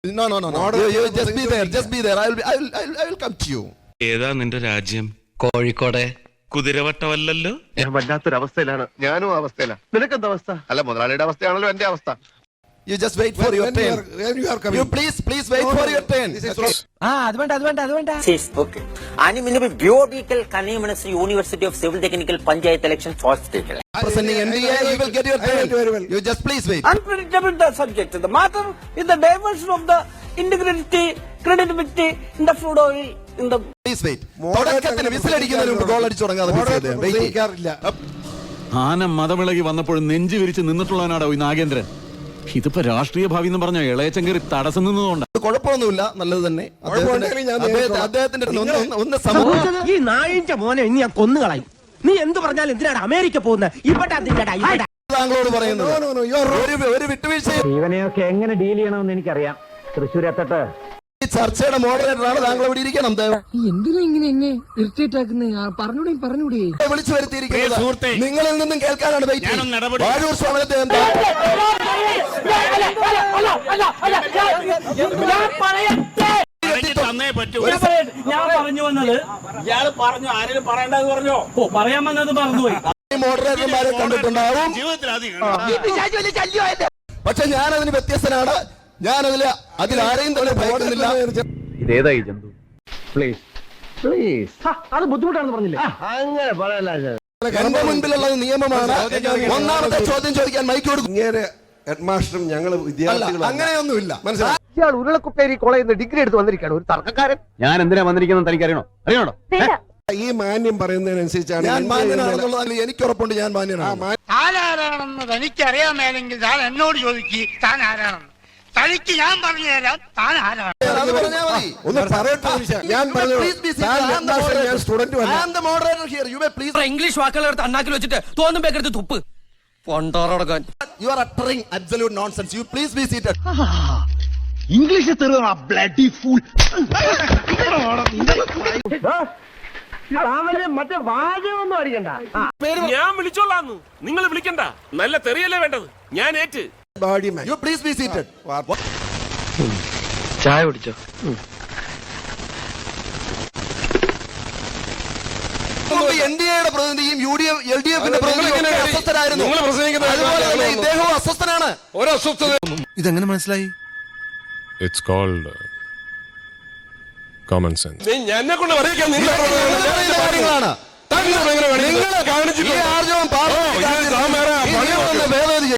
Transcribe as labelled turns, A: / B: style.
A: No. You just be there. Just be there. I will come to you.
B: ഏതാ നിന്റെ രാജ്യം?
C: കോഴിക്കോട്.
B: കുതിരവട്ടമല്ലല്ലോ.
D: ഞാൻ വല്ലാത്തൊരവസ്ഥയിലാണ്. ഞാനും അവസ്ഥയിലാണ്. നിനക്കെന്താ അവസ്ഥ? അല്ല, മുതലാളിയുടെ അവസ്ഥയാണല്ലോ എന്റെ അവസ്ഥ.
A: You just wait for your turn. You please wait for your turn.
C: അത് വേണ്ട.
E: ഓക്കെ आणि मैंने भी बियोडिकल convener university of civil technical panchayat election first टेकल
A: Presenting NDA, you will get your turn. You just please wait.
E: unpredictable the subject the matter is the diversion of the integrity credibility in the food oil in the
A: Please wait. തുടക്കത്തിൽ വിസിലടിക്കുന്നതിന് മുമ്പ് goal അടിച്ചു തുടങ്ങാതെ
F: ആന മതമിളകി വന്നപ്പോൾ നെഞ്ചു വിരിച്ച് നിന്നിട്ടുള്ളവനാടോ ഈ നാഗേന്ദ്രൻ. ഇതിപ്പോ രാഷ്ട്രീയ ഭാവി എന്ന് പറഞ്ഞ ഇളയച്ചൻ കയറി തടസ്സം നിന്നതുകൊണ്ട്
A: കുഴപ്പമൊന്നുമില്ല, നല്ലത് തന്നെ. അദ്ദേഹത്തിന്റെ
C: ഈ നായിന്റെ മോനെ ഇനി ഞാൻ കൊന്നുകളയും. നീ എന്ത് പറഞ്ഞാലും എന്തിനാണ് അമേരിക്ക പോകുന്നത്?
A: താങ്കളോട് പറയുന്നത് ഒരു വിട്ടുവീഴ്ച.
G: ഇവനെയൊക്കെ എങ്ങനെ ഡീൽ ചെയ്യണമെന്ന് എനിക്കറിയാം. തൃശ്ശൂർ എത്തട്ടെ.
A: ഈ ചർച്ചയുടെ മോഡറേറ്ററാണ് താങ്കൾ ഇവിടെ ഇരിക്കണം.
H: എന്തിനാ ഇങ്ങനെ എന്നെ ഇറിറ്റേറ്റ് ആക്കുന്നത്? പറഞ്ഞൂടെ
A: വിളിച്ചു വരുത്തിയിരിക്കുന്നത് നിങ്ങളിൽ നിന്നും കേൾക്കാനാണ്. വാഴൂർ സമരത്തെ എന്താ
I: ഞാൻ പറഞ്ഞു വന്നത് ഇയാള് പറഞ്ഞു, ആരെങ്കിലും പറയണ്ടെന്ന് പറഞ്ഞോ? പറയാൻ വന്നത് മറന്നുപോയി.
A: മോഡറേറ്റർമാരെ കണ്ടിട്ടുണ്ടാവും, പക്ഷെ ഞാനതിന് വ്യത്യസ്തനാണ്. അതിലാരെയും തന്നെ ഭയക്കുന്നില്ല.
D: ഇതേതായി ജന്തു? പ്ലീസ്
G: അത് ബുദ്ധിമുട്ടാണെന്ന് പറഞ്ഞില്ലേ? അങ്ങനെ പറയല്ല.
A: എന്റെ മുൻപിലുള്ള നിയമമാണ്. ഒന്നാമത്തെ ചോദ്യം ചോദിക്കാൻ മൈക്ക് കൊടുക്കും.
J: ഹെഡ്മാസ്റ്ററും ഞങ്ങൾ വിദ്യാർത്ഥികളും
A: അങ്ങനെയൊന്നുമില്ല, മനസ്സിലായി?
G: ഇയാൾ ഉരുളക്കുപ്പേരി കോളേജിൽ നിന്ന് ഡിഗ്രി എടുത്ത് വന്നിരിക്കുകയാണ്, ഒരു തർക്കക്കാരൻ.
D: ഞാൻ എന്തിനാ വന്നിരിക്കുന്നത് തനിക്ക് അറിയണോ?
J: ഈ മാന്യം പറയുന്നതിനനുസരിച്ചാണ്
A: ഞാൻ മാന്യനാണെന്നുള്ളത് എനിക്ക് ഉറപ്പുണ്ട്. ഞാൻ മാന്യനാണ്.
I: താനാരാണെന്ന് തനിക്കറിയാമേലെങ്കിൽ താൻ എന്നോട് ചോദിക്കുക. താൻ ആരാണെന്ന് തനിക്ക് ഞാൻ പറഞ്ഞു തരാം. താൻ ആരാണ്?
A: അത് പറഞ്ഞാൽ മതി.
J: ഒന്ന് പറയട്ടെ. ഞാൻ സ്റ്റുഡന്റ്
C: ഇംഗ്ലീഷ് വാക്കുകൾ എടുത്ത് അണ്ണാക്കിൽ വെച്ചിട്ട് തോന്നും എടുത്ത് തുപ്പ് പൊണ്ടോറടക്കാൻ.
A: You are uttering absolute nonsense. You please be seated.
G: English തെരുവാ ബ്ലഡി ഫൂൾ. മറ്റേ വാചകമൊന്നും അടിക്കണ്ട.
I: ഞാൻ വിളിച്ചോളാന്ന് നിങ്ങൾ വിളിക്കണ്ട. നല്ല തെറിയല്ലേ വേണ്ടത്. ഞാൻ ഏറ്റ്.
A: You please be seated.
C: ചായ കുടിച്ചോ?
A: എൻഡിഎയുടെ പ്രതിനിധിയും LDFന്റെ പ്രതിനിധിയും അസ്വസ്ഥരായിരുന്നു. അതുപോലെ തന്നെ ഇദ്ദേഹവും അസ്വസ്ഥനാണ്.
J: ഇതെങ്ങനെ മനസ്സിലായി?
B: It's called common sense.
I: എന്നെ കൊണ്ട് പറയിക്കാൻ
A: കാര്യങ്ങളാണ്. നിങ്ങൾ ഈ ആർജവം